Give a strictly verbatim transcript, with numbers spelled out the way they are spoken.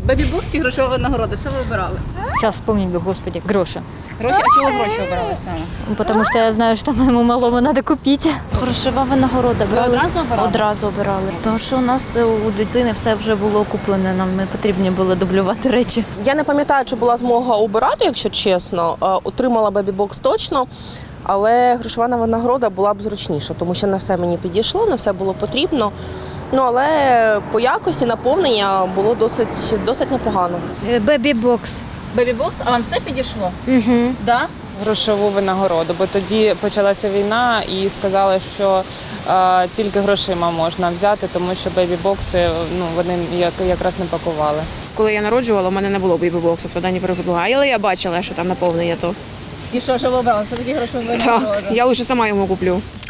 Бебі-бокс чи грошова винагорода? Що ви обирали? Сейчас вспомнить бы, господи, гроши. Гроші? А чого гроші обирали саме? Потому что я знаю, что моему малому надо купить. Грошова винагорода. Ви одразу обирали? Одразу обирали. Тому що у нас у дитини все вже було куплене, нам не потрібні було дублювати речі. Я не пам'ятаю, чи була змога обирати, якщо чесно. Е, Отримала бебі-бокс точно, але грошова винагорода була б зручніша, тому що не все мені підійшло, не все було потрібно. Ну, але по якості наповнення було досить, досить непогано. Бебі-бокс. Бебі-бокс? А вам все підійшло? Угу. Да? Грошову винагороду, бо тоді почалася війна і сказали, що е, тільки грошима можна взяти, тому що бебі-бокси ну, вони як, якраз не пакували. Коли я народжувала, у мене не було бейбі-боксів, тоді не переподала. Але я бачила, що там наповнення то. І що, що ви обрали? Все-таки грошова Так, винагорода? я лише сама йому куплю.